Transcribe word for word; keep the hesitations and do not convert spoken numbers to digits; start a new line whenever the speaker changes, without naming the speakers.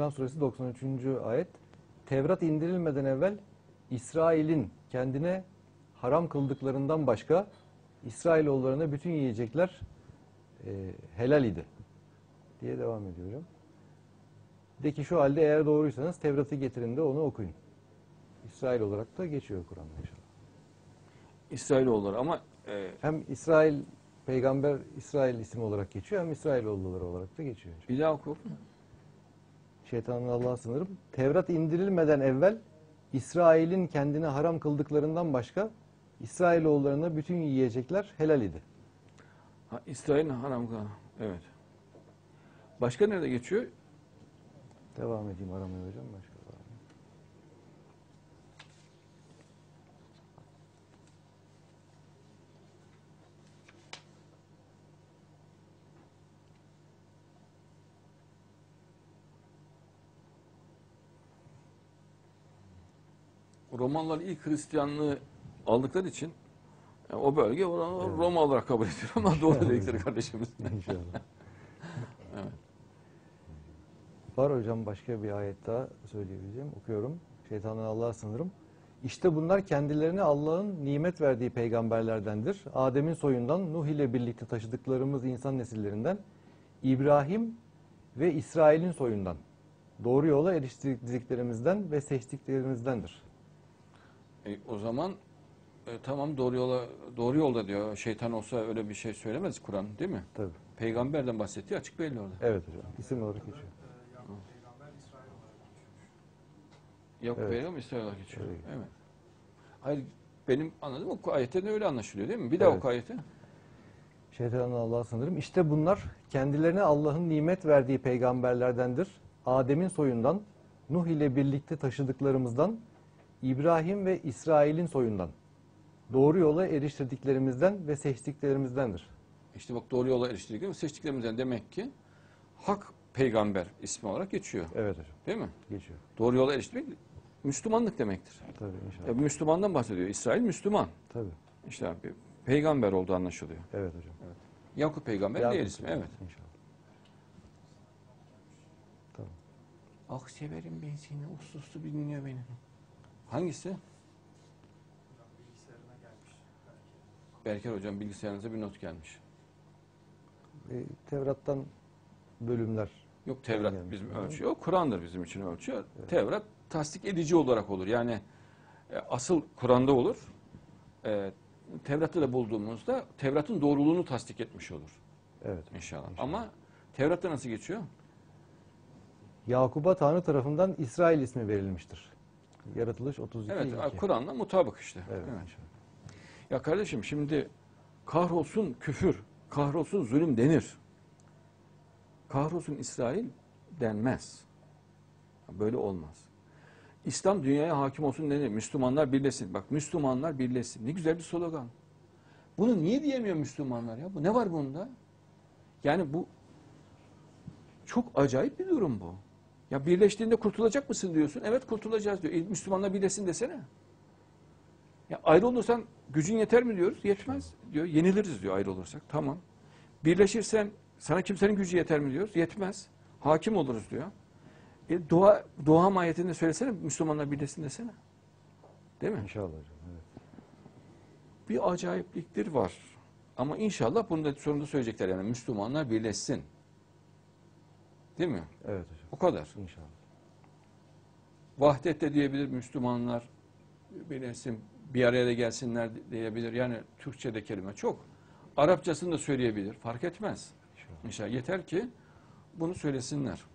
İmran Suresi doksan üçüncü ayet. Tevrat indirilmeden evvel İsrail'in kendine haram kıldıklarından başka İsrailoğullarına bütün yiyecekler e, helal idi diye devam ediyorum. De ki şu halde eğer doğruysanız Tevrat'ı getirin de onu okuyun. İsrail olarak da geçiyor Kur'an'da inşallah.
İsrailoğulları ama e,
Hem İsrail peygamber İsrail ismi olarak geçiyor hem İsrailoğulları olarak da geçiyor.
bir daha oku.
Şeytanın Allah'a sınırım. Tevrat indirilmeden evvel İsrail'in kendine haram kıldıklarından başka İsrailoğullarına bütün yiyecekler helal idi.
Ha, İsrail'in haram kılan. Evet. Başka nerede geçiyor?
Devam edeyim aramaya hocam. Başka var mı?
Romalılar ilk Hristiyanlığı aldıkları için yani o bölge oranı
Evet.
Roma olarak kabul ediyor ama doğru dedikleri kardeşimiz.
İnşallah.
Evet.
Var hocam başka bir ayet daha söyleyebileceğim. Okuyorum. Şeytandan Allah'a sınırım. İşte bunlar kendilerine Allah'ın nimet verdiği peygamberlerdendir. Adem'in soyundan, Nuh ile birlikte taşıdıklarımız insan nesillerinden, İbrahim ve İsrail'in soyundan, doğru yola eriştirdiklerimizden ve seçtiklerimizdendir.
E, o zaman e, tamam doğru yola doğru yolda diyor. Şeytan olsa öyle bir şey söylemez Kur'an, değil mi?
Tabii.
Peygamberden bahsettiği açık belli orada.
Evet hocam. İsim olarak geçiyor.
Yok
Evet.
peygamber İsrail olarak geçiyor.
Evet.
Evet. Hayır benim anladığım o ayetten öyle anlaşılıyor değil mi? Bir daha
Evet.
oku ayeti.
Şeytandan Allah'a sınırım. İşte bunlar kendilerine Allah'ın nimet verdiği peygamberlerdendir. Adem'in soyundan, Nuh ile birlikte taşıdıklarımızdan, İbrahim ve İsrail'in soyundan, doğru yola eriştirdiklerimizden ve seçtiklerimizdendir.
İşte bak doğru yola eriştirdiklerimiz seçtiklerimizden demek ki hak peygamber ismi olarak geçiyor.
Evet hocam.
Değil mi?
Geçiyor.
Doğru yola erişmek Müslümanlık demektir.
Tabii inşallah.
Ya Müslümandan bahsediyor. İsrail Müslüman.
Tabii.
İşte abi, peygamber olduğu anlaşılıyor.
Evet hocam. Evet.
Yakup peygamber
Yakup
değil ismi. Evet.
İnşallah. Tamam.
Ah severim ben seni. Uslu uslu dinliyor beni. Hangisi? Berker hocam bilgisayarınıza bir not gelmiş.
E, Tevrat'tan bölümler.
Yok Tevrat
gelmiş.
bizim
Hı.
ölçü. O Kur'an'dır bizim için ölçü.
Evet.
Tevrat tasdik edici olarak olur. Yani e, asıl Kur'an'da olur. E, Tevrat'ta da bulduğumuzda Tevrat'ın doğruluğunu tasdik etmiş olur.
Evet.
İnşallah.
İnşallah.
Ama Tevrat'ta nasıl geçiyor?
Yakub'a Tanrı tarafından İsrail ismi verilmiştir. Yaratılış otuz iki
Evet,
iki.
Kur'an'la mutabık işte.
Evet.
Evet.
inşallah.
Ya kardeşim şimdi kahrolsun küfür, kahrolsun zulüm denir. Kahrolsun İsrail denmez. Böyle olmaz. İslam dünyaya hakim olsun denir. Müslümanlar birleşsin. Bak Müslümanlar birleşsin. Ne güzel bir slogan. Bunu niye diyemiyor Müslümanlar ya? Bu ne var bunda? Yani bu çok acayip bir durum bu. Ya birleştiğinde kurtulacak mısın diyorsun. Evet kurtulacağız diyor. E, Müslümanlar birleşsin desene. Ya ayrı olursan gücün yeter mi diyoruz? Yetmez diyor. Yeniliriz diyor ayrı olursak. Tamam. Birleşirsen sana kimsenin gücü yeter mi diyoruz? Yetmez. Hakim oluruz diyor. E, dua, dua ayetinde söylesene Müslümanlar birleşsin desene. Değil mi?
İnşallah hocam. Evet.
Bir acayipliktir var. Ama inşallah bunu da sonunda söyleyecekler yani Müslümanlar birleşsin. Değil mi?
Evet hocam.
O kadar.
İnşallah.
Vahdet de diyebilir Müslümanlar birleşsin, bir araya da gelsinler diyebilir. Yani Türkçe'de kelime çok. Arapçasını da söyleyebilir. Fark etmez.
İnşallah.
İnşallah yeter ki bunu söylesinler.